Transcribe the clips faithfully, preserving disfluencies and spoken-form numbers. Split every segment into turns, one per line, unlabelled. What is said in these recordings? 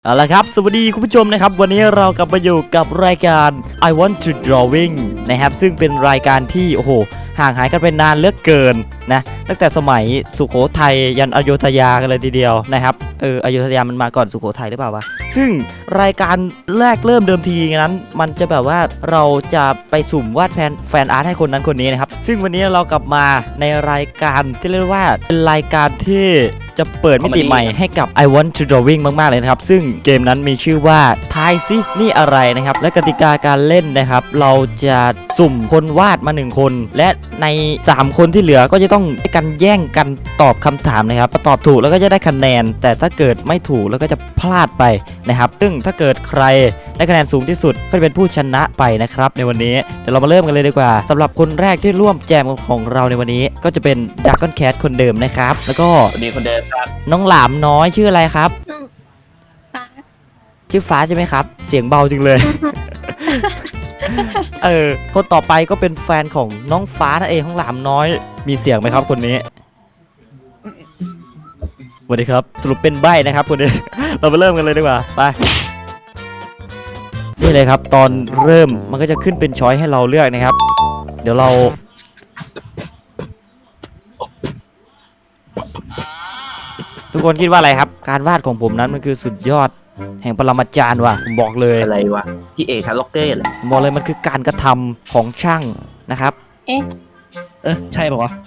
เอาละครับสวัสดีคุณผู้ชมนะครับวันนี้เรากลับมาอยู่กับรายการ I Want to Drawing นะครับซึ่งเป็นรายการที่โอ้โหห่างหายกันไปนานเหลือเกินนะตั้งแต่สมัยสุโขทัยยันอโยธยากันเลยทีเดียวนะครับเอออโยธยามันมาก่อนสุโขทัยหรือเปล่าวะซึ่งรายการแรกเริ่มเดิมทีนั้นมันจะแบบว่าเราจะไปสุ่มวาดแฟนแฟนอาร์ตให้คนนั้นคนนี้นะครับซึ่งวันนี้เรากลับมาในรายการที่เรียกว่าเป็นรายการที่จะเปิดมิติใหม่ให้กับ I Want to Drawing มากๆเลยนะครับซึ่งเกมนั้นมีชื่อว่าทายซินี่อะไรนะครับและกติกาการเล่นนะครับเราจะสุ่มคนวาดมาหนึ่งคนและในสามคนที่เหลือก็จะต้องกันแย่งกันตอบคำถามนะครับตอบถูกแล้วก็จะได้คะแนนแต่ถ้าเกิดไม่ถูกแล้วก็จะพลาดไปนะครับซึ่งถ้าเกิดใครได้คะแนนสูงที่สุดก็จะเป็นผู้ชนะไปนะครับในวันนี้เดี๋ยวเรามาเริ่มกันเลยดีกว่าสำหรับคนแรกที่ร่วมแจมของเราในวันนี้ก็จะเป็น Dragon Cat คนเดิมนะครับแล้วก็
คนนี้คนเดิมครับ
น้องหลามน้อยชื่ออะไรครับ
ฟ้า
ชื่อฟ้าใช่ไหมครับเสียงเบาจริงเลย เออคนต่อไปก็เป็นแฟนของน้องฟ้านั่นเองของหลามน้อยมีเสียงไหมครับคนนี้สวัสดีครับสรุปเป็นใบ้นะครับคนนี้ เราไปเริ่มกันเลยดีกว่าไปนี่เลยครับตอนเริ่มมันก็จะขึ้นเป็นช้อยให้เราเลือกนะครับเดี๋ยวเราทุกคนคิดว่าอะไรครับการวาดของผมนั้นมันคือสุดยอดแห่งปรมาจารย์ว่ะผมบอกเลย
อะไรวะพี่เอกครับล็อกเกอร์เลย
ผมบอกเลยมันคือการกระทำของช่างนะครับ
เอ๊ะ
เออใช่ป่าวะ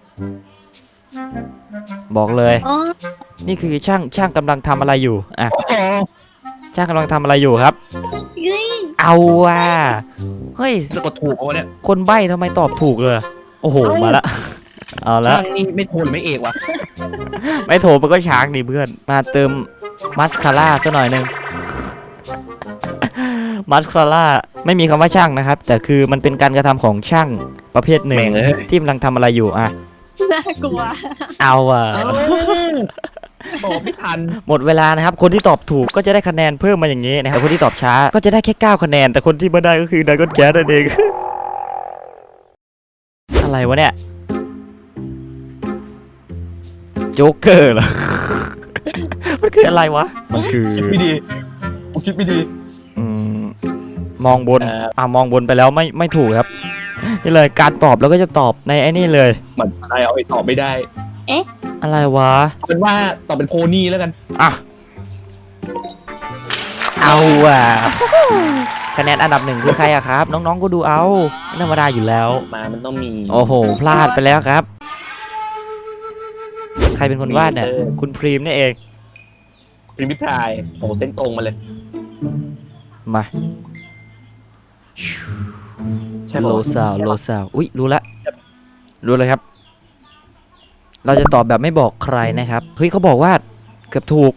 บอกเลย
อ๋อ
นี่คือช่างช่างกำลังทำอะไรอยู่อ่ะ
อ๋อ
ช่างกำลังทำอะไรอยู่ครับ
เฮ้ย
เอาว่ะเฮ้ย
สะกดถูกป่าวะเนี่ย
คนใบ้ทำไมตอบถูกเลยโอ้โหมาละเอาละ
ช่างนี่ไม่โทรหรือไม่เอกวะ
ไม่โถมันก็ช้างดิเพื่อนมาเติมมัสคาร่าซะหน่อยนึง มัสคาร่าไม่มีคำว่าช่างนะครับแต่คือมันเป็นการกระทำของช่างประเภทหนึ่งที่กำลังทำอะไรอยู่อ่ะ
น่ากลัว
เอาอ่ะ
บอกไม่ทัน
หมดเวลานะครับคนที่ตอบถูกก็จะได้คะแนนเพิ่มมาอย่างนี้นะครับคนที่ตอบช้าก็จะได้แค่เก้าคะแนนแต่คนที่ไม่ได้ก็คือดราก้อนแคทนั่นเอง อะไรวะเนี่ยโจ๊กเกอร์เหรอ มันคืออะไรวะมันคือ
คิดไม่ดีกูคิดไม่ดี
อืมมองบน
เอ่อ
อ่ามองบนไปแล้วไม่ไม่ถูกครับนี่เลยการตอบแล้วก็จะตอบในไอ้นี่เลย
มันใครเอาไปตอบไม่ได้
อะไรวะ
เป็นว่าตอบเป็นโพนี่แล้วกัน
อ่ะเอาอ่ะคะแนนอันดับหนึ่งคือใครอะครับ น้องๆก็ดูเอาไม่ธรรมดาอยู่แล้ว
มามันต้องมี
โอ้โหพลาดไปแล้วครับ ใครเป็นคนวาดเนี่ยคุณพรีมนี่เอง
พริมพิพายโอ้เส้นตรงมาเลย
มา
ใช่
โล
ป่ะ
ซาวโลซาวอุ้ยรู้ละรู้เลยครับ เราจะตอบแบบไม่บอกใครนะครับเฮ้ยเขาบอกว่าเกือบถูก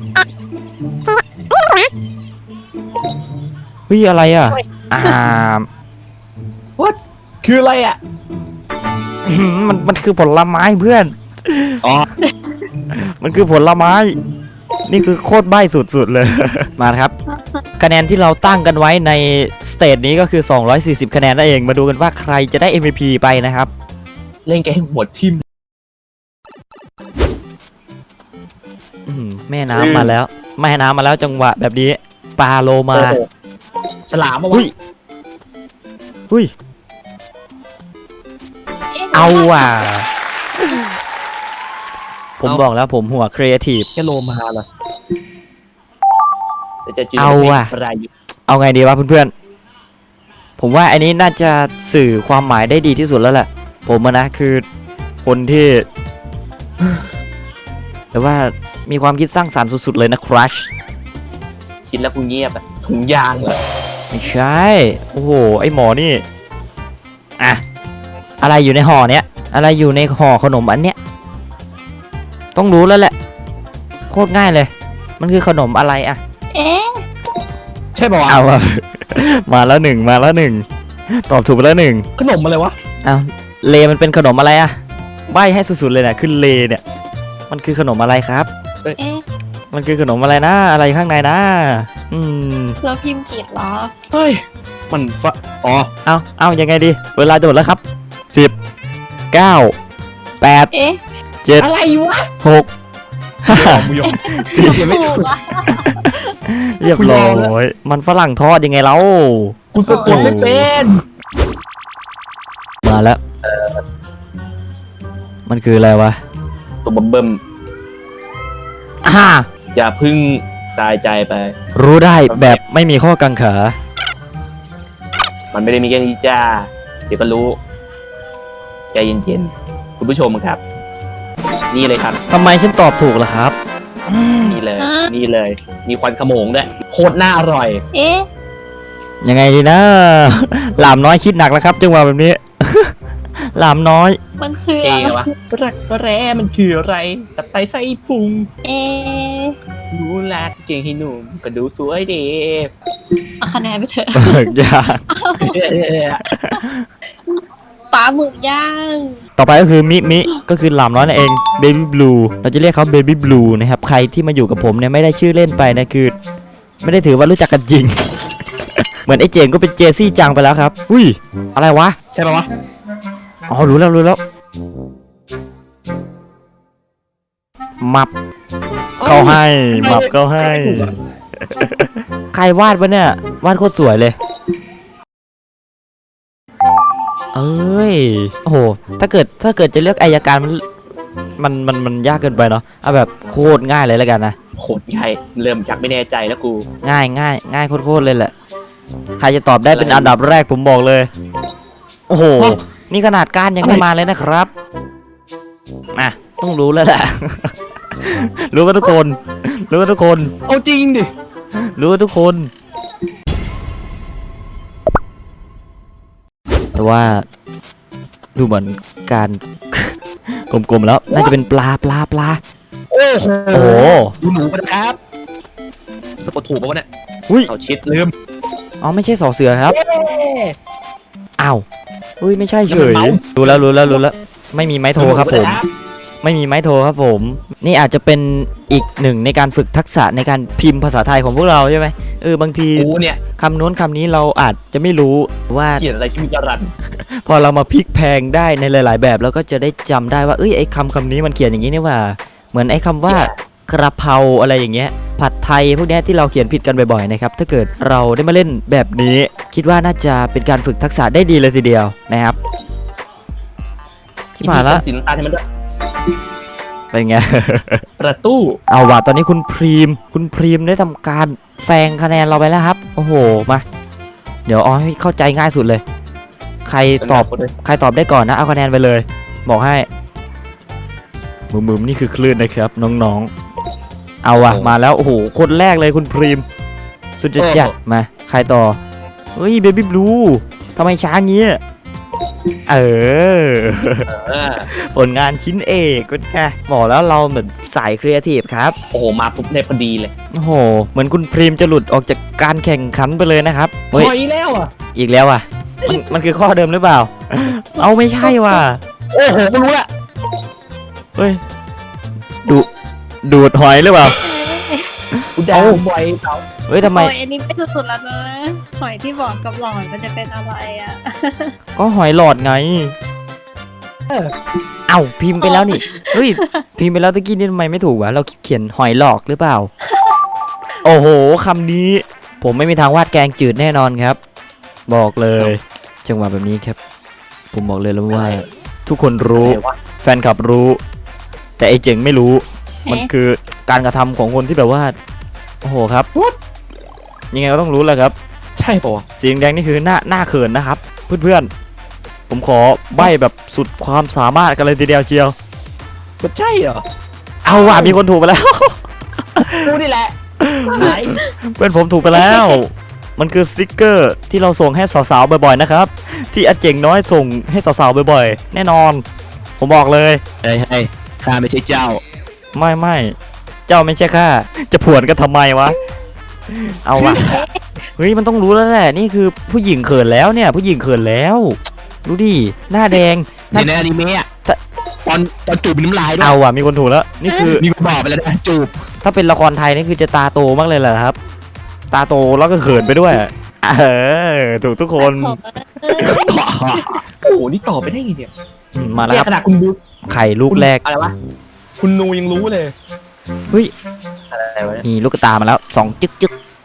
เฮ้ยอะไรอ่ะอ่า
What คืออะไรอ่ะ
มันมันคือผลไม้เพื่อน
อ๋อ
มันคือผลไม้นี่คือโคตรใบ้สุดๆเลย มาครับคะแนนที่เราตั้งกันไว้ในสเตจนี้ก็คือสองร้อยสี่สิบคะแนนนั่นเองมาดูกันว่าใครจะได้ เอ็ม วี พี ไปนะครับ
เล่นแกให้หัวทิ่ม
อื้อหือแม่น้ำมาแล้วแม่น้ำมาแล้วจังหวะแบบนี้ปลาโลมา
โอ้โหฉลามมาวะ
หุ้ยหุ้ย
อ๊ะ
เอาว่ะผมบอกแล้วผมหัวครีเอทีฟ
แกโลมาเหรอแต่จะจืด
เอาว่ะ
รายอยู่
เอาไงดีวะเพื่อนๆผมว่าอันนี้น่าจะสื่อความหมายได้ดีที่สุดแล้วแหละผมอะนะคือคนที่ แต่ว่ามีความคิดสร้างสรรค์สุดๆเลยนะครัช
คิดแล้วกูเงียบอะถุงยางเหรอ
ไม่ใช่โอ้โหไอหมอนี่อะอะไรอยู่ในห่อเนี้ยอะไรอยู่ในห่อขนมอันเนี้ยต้องรู้แล้วแหละโคตรง่ายเลยมันคือขนมอะไรอะ
เอ๊ะ
ใช่ป่าวะ
เอาอะ มาแล้วหนึ่งมาแล้วหนึ่งตอบถูกไปแล้วหนึ่ง
ขนมอะไรวะ
เอาเลมันเป็นขนมอะไรอะใบให้สุดๆเลยนะคือเลเนี่ยมันคือขนมอะไรครับ
เอ๊ะ
มันคือขนมอะไรนะอะไรข้างในนะอืม
เราพิมพ์ผิดเหรอ
เฮ้ยมันฟะอ๋อ
เอาเอายังไงดีเวลาโดดแล้วครับสิบเก้าแปด
เอ๊ะ
เจ็ด
อะไรวะ
หกห้า
มุยอม
สี่
เขียนไม่ถูก
ถูกอะ
เรียบร้อยมันฝรั่งทอดยังไงเล่า
กูสะกดไม่เป็น
มาแล้วมันคืออะไรวะ
ตัวบัมเบิ้ม
อ่า
อย่าพึ่งตายใจไป
รู้ได้แบบไม่มีข้อกังขา
มันไม่ได้มีแค่นี้จ้า เดี๋ยวก็รู้ ใจเย็นๆ คุณผู้ชมครับ นี่เลยครับ
ทำไมฉันตอบถูกล่ะครับ
นี่เลย นี่เลย มีควันขโมงด้วยโคตรน่าอร่อย
เอ๊ะ
ยังไงดีนะ หลามน้อยคิดหนักแล้วครับจังหวะแบบนี้ หลามน้อย
มันคือ
เอ
อะไร
วะรักแร้มันคืออะไร ตับไตไส้พุง
เอ๊ะ
รู้ลาเก่งให้หนุ่มก็ดูสวยดี
เอาคะแนนไปเถอะ
เบิกยาก
ปลาหมึกย่าง
ต่อไปก็คือมิมิก็คือหลามน้อยนั่นเอง Baby Blue เราจะเรียกเขา Baby Blue นะครับใครที่มาอยู่กับผมเนี่ยไม่ได้ชื่อเล่นไปนะคือ ไม่ได้ถือว่ารู้จักกันจริง เหมือนไอ้เจงก็เป็นเจซี่จังไปแล้วครับอุ้ยอะไรวะ
ใช่ปะวะ
อ๋อรู้แล้วรู้แล้วมับเขาให้มับเขาให้ ใครวาดวะเนี่ยวาดโคตรสวยเลย เอ้ยโอ้โหถ้าเกิดถ้าเกิดจะเลือกอัยการมันมันมันมันยากเกินไปเนาะเอาแบบโคตรง่ายเลยแล้วกันนะ
โคตรง่ายเริ่มจากไม่แน่ใจแล้วกู
ง่ายง่ายง่ายโคตรๆเลยแหละใครจะตอบได้เป็นอันดับแรกผมบอกเลยโอ้โหนี่ขนาดก้านยังไม่มาเลยนะครับอ่ะต้องรู้แล้วแหละ รู้กันทุกคนรู้กันทุกคน
เอาจริงดิ
รู้กันทุกคนแต่ว่าดูเหมือนการ กลมๆแล้วน่าจะเป็นปลาปลาปลา
โอ้โห
โอ้โห
ดูหนูกันนะครับสะกดถูกปะวะเนี่ย
อุ้ย
เอาชิดลืม
อ๋อไม่ใช่สอเสือครับอ้าวเฮ้ยไม่ใช่เฉยรู้แล้วรู้แล้วรู้แล้วไม่มีไม้โทรครับผม ไม่มีไม้โทรครับผม นี่อาจจะเป็นอีกหนึ่งในการฝึกทักษะในการพิมพ์ภาษาไทยของพวกเราใช่ไหมเออบางที
กูเนี่ย
คำโน้นคำนี้เราอาจจะไม่รู้ว่า
เขียนอะไรที่มีกระรัน
พอเรามาพลิกแพลงได้ในหลาย ๆ แบบเราก็จะได้จำได้ว่าเอ้ยไอ้คำคำนี้มันเขียนอย่างนี้นี่ว่า เหมือนไอ้คำว่ากระเพราอะไรอย่างเงี้ยผัดไทยพวกเนี้ยที่เราเขียนผิดกันบ่อย ๆ นะครับถ้าเกิดเราได้มาเล่นแบบนี้ คิดว่าน่าจะเป็นการฝึกทักษะได้ดีเลยทีเดียวนะครับที่ผ่านแล้ว
สีน้ำตาลให้มันด้วย
เป็นไง
ประตู
เอาว่ะตอนนี้คุณพรีมคุณพรีมได้ทำการแซงคะแนนเราไปแล้วครับโอ้โหมาเดี๋ยวเอาให้เข้าใจง่ายสุดเลย ใครตอบใครตอบได้ก่อนนะเอาคะแนนไปเลย บอกให้มุมๆนี่คือคลื่นนะครับน้องๆเอาว่ะมาแล้วโอ้โหคนแรกเลยคุณพรีมสุดจะจัดมาใครต่อเฮ้ยเบบี้บลูทำไมช้างี้เออ
เออ
ผลงานชิ้นเอกก็แค่บอกแล้วเราเหมือนสายครีเอทีฟครับ
โอ้โหมาปุ๊บได้พอดีเลย
โอ้โหเหมือนคุณพรีมจะหลุดออกจากการแข่งขันไปเลยนะครับ
ถ
เฮ้ย
อยแล้วอ่ะ
อีกแล้วอ่ะมันมันคือข้อเดิมหรือเปล่า เอาไม่ใช่ว่ะ
โอ้โหไม่รู้ละ
เฮ้ยดูดูดหอยหรือเปล่า
กูด่า
เอ้า
บ่อยเต๋า
เฮ้ยทำไม
โอ้ยอันนี้ไม่สุดๆแล้วนะหอยที่บอกกับหลอดมันจะเป็นอะไรอ่ะ
ก็หอยหลอดไง
เออ
เอ้าพิมพ์ไปแล้วนี่เฮ้ยพิมพ์ไปแล้วตะกี้นี่ทำไมไม่ถูกวะเราเขียนหอยหลอกหรือเปล่า โอ้โหคำนี้ ผมไม่มีทางวาดแกงจืดแน่นอนครับ บอกเลยจังหวะแบบนี้ครับ ผมบอกเลยแล้วว่า ทุกคนรู้
อะไรวะ
แฟนคลับรู้ แต่ไอ้เจ๋งไม่รู้
เอ๊ะ
มันคือการกระทำของคนที่แบบว่าโอ้โหครับยังไงก็ต้องรู้แหละครับ
ใช่ปะวะ
สีแดงๆนี่คือหน้าหน้าเขินนะครับ เพื่อนๆผมขอใบ้แบบสุดความสามารถกันเลยทีเดียวเชียว
มันใช่เหรอ
เอาว่ะมีคนถูกไปแล้ว
กูนี่แหละหาย
เพื่อนผมถูกไปแล้ว มันคือสติกเกอร์ที่เราส่งให้สาวๆบ่อยๆนะครับ ที่อาเจ๋งน้อยส่งให้สาวๆบ่อยๆแน่นอน ผมบอกเลย
เฮ้ยเฮ้ยข้าไม่ใช่เจ้า
ไม่ไม่เจ้าไม่ใช่ข้าจะผวนกันทำไมวะ เอาว่ะเฮ้ยมันต้องรู้แล้วแหละนี่คือผู้หญิงเขินแล้วเนี่ย ผู้หญิงเขินแล้วดูดิหน้าแดงห
เสี
น้าย
ในอนิเมะอะตอนตอนจูบมีน้ำลายด้วย
เอาว่ะมีคนถูกแล้วนี่คือ
มีคนบอกไปแล้วนะจูบ
ถ้าเป็นละครไทยนี่คือจะตาโตมากเลยแหละครับ ตาโตแล้วก็เขินไปด้วยเออถูกทุกคน
ผมอะ
โอ้โหนี่ตอบไปได้ไงเนี่ย
อืมมาแล้ว
เนี่
ค
ย
รับ
ขนาดคุณดู
ไข่ลูกแรก
อะไรวะคุณนูยังรู้เลย
เฮ้ย
อะไรวะเนี่ย
มีลูกตามาแล้วสองจึ๊กจึ๊ก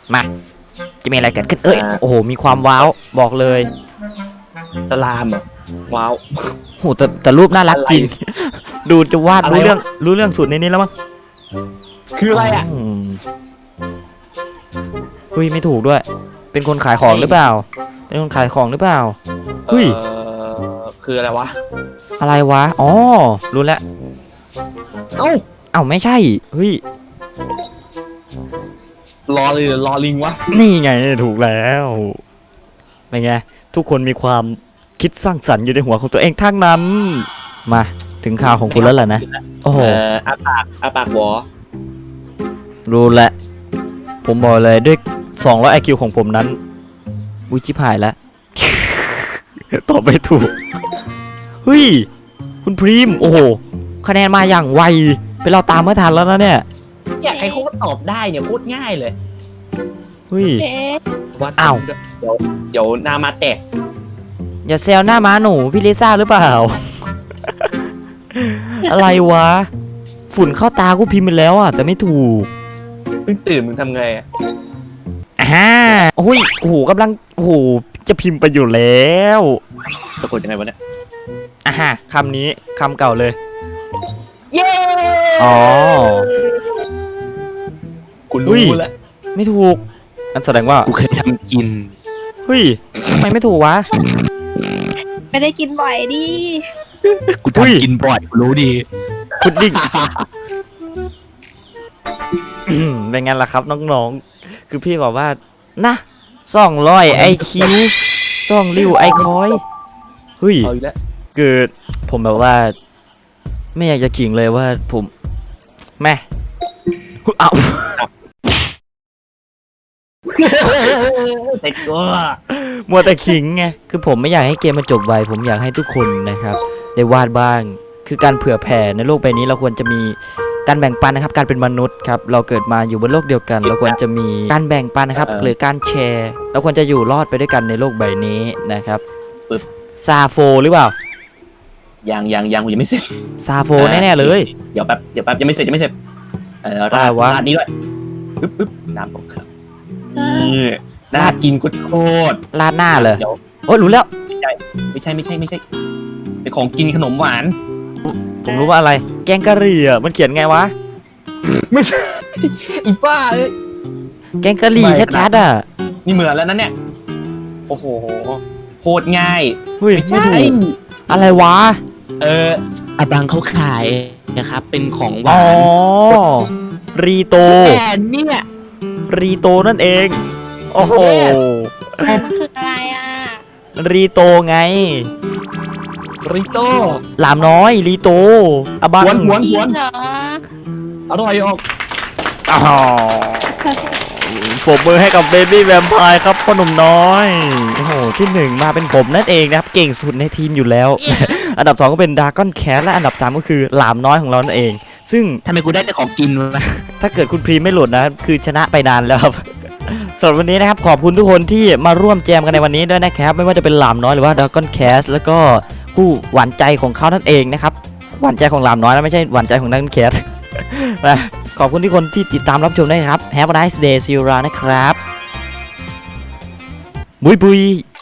มาจะมีอะไรเกิดขึ้นเอ้ย
อ่า
โอ้โหมีความว้าวบอกเลย
สลามเหรอว้าว
โหแต่แต่รูปน่ารักจริง ดูจะวาด
อะไร
รู้
วะ
เรื่องรู้เรื่องสุดในนี้แล้วมั้ง
คืออะไรอ่ะ
มเฮ้ยไม่ถูกด้วย เป็นคนขายของหรือเปล่า เป็นคนขายของหรือเปล่า เฮ้ย
เออคืออะไรวะ
อะไรวะอ๋อรู้แล้ว
เอ้า
เอ้าไม่ใช่เฮ้ย
รอเลยรอลิงวะ
นี่ไงถูกแล้วเป็นไงทุกคนมีความคิดสร้างสรรค์อยู่ในหัวของตัวเองทั้งนั้น มาถึงข่าวของคุณแล้วล่ะนะโอ้โห
เอออาปากอาปากหวอ
รู้แล้วผมบอกเลยด้วยสองร้อยไอคิวของผมนั้นอุ้ยชิบหายแล้ว ตอบไม่ถูกเฮ้ยคุณพรีมโอ้โหคะแนนมาอย่างไวเป็นเราตามไม่ทันแล้วนะเนี่ย
เนี่ยใครเขาก็ตอบได้เนี่ยโคตรง่ายเลย
เฮ้ย
เอ๊ะ
วัด
อ้าว
เดี๋ยวเดี๋ยวนามาแตก
อย่าแซวหน้าม้าหนูพี่ลิซ่าหรือเปล่า อะไรวะ ฝุ่นเข้าตากูพิมพ์ไปแล้วอ่ะแต่ไม่ถูก
เพิ่งตื่นมึงทำไงอะ
อ่าโอ้ยโอ้โหกำลังโอ้โหจะพิมพ์ไปอยู่แล้ว
สะกดยังไงวะเนี่ย
อ่าฮะคำนี้คำเก่าเลย
เย้
อ๋อ
คุณ
อุ้
รู้
ย
แล้ว
ไม่ถูกอันแสดงว่า
กูเคยทำกิน
เฮ้ยทำไมไม่ถูกวะ
ไม่ได้กินบ่อยดิ
กู
อุ้ย
ทำกินบ่อยกูรู้ดี
พุดดิ้ง อืมเป็นไงล่ะครับน้องๆ คือพี่บอกว่านะซ่องร้อยไอคิวซ่องริ้วไอคอยเฮ้ย
เอาอีกแล้ว
คือผมแบบว่า ไม่อยากจะขิงเลยว่าผมแม่เอา
แต่ก็
มัวแต่ขิงไงคือผมไม่อยากให้เกมมันจบไวผมอยากให้ทุกคนนะครับ ได้วาดบ้าง คือการเผื่อแผ่ในโลกใบนี้เราควรจะมีการแบ่งปันนะครับ การเป็นมนุษย์ครับเราเกิดมาอยู่บนโลกเดียวกัน เราควรจะมีการแบ่งปันนะครับ หรือการแชร์เราควรจะอยู่รอดไปด้วยกันในโลกใบนี้นะครับซาโฟหรือเปล่า
ยังยังยังกูยังไม่เสร็จ
ซาโฟแน่ๆเลย
เดี๋ยวแป๊บเดี๋ยวแป๊บยังไม่เสร็จยังไม่เสร็จเออ
อะไร
ราด
วะ
ราดนี้ด้วยปึ๊บปึ๊บน้ำตกครับนี่น่ากินโคตร
ราดหน้าเลย
เดี๋ยว
โอ้ยรู้แล้ว
ไม่ใช่ไม่ใช่ไม่ใช่เป็นของกินขนมหวาน
ผมรู้ว่าอะไร แกงกะหรี่อ่ะมันเขียนไงวะ
ไม่ใช่อีป้าเอ้ย
แกงกะหรี่
ไม่
ชัดๆอ่ะ
นี่เหมือนแล้วนะเนี่ยโอ้โหโคตรง่าย
เฮ้ยไม่ถูกอะไรวะ
เอออาบังเขาขายนะครับเป็นของห
อ๋
วา
อน รีโต
แต่เนี่ย
รีโตนั่นเอง โอ้โห
มันคืออะไรอ่ะ
รีโตไง
ริโต้
หลามน้อยรีโตอะบัง
หวนหวน
จริ
หว
ง
น
เหรอ
อร่อยออก
อ๋อปรบมือให้กับเบบี้แวมไพร์ครับพ่อหนุ่มน้อยโอ้โหที่หนึ่งมาเป็นผมนั่นเองนะครับ เก่งสุดในทีมอยู่แล้ว อันดับสองก็เป็นดากอนแคสและอันดับสามก็คือหลามน้อยของเรานั่นเอง ซึ่ง
ทำไมกูได้แต่ของกินวะ
ถ้าเกิดคุณพรีมไม่หลุดนะ คือชนะไปนานแล้วครับ สำหรับวันนี้นะครับ ขอบคุณทุกคนที่มาร่วมแจมกันในวันนี้ด้วยนะครับ ไม่ว่าจะเป็นหลามน้อยหรือว่าดากอนแคสแล้วก็คู่หวานใจของเขานั่นเองนะครับ หวานใจของหลามน้อยนะไม่ใช่หวานใจของดากอนแคส นะขอบคุณทุกคนที่ติดตามรับชมด้วยนะครับ Have a nice day see you around นะครับบุยบุย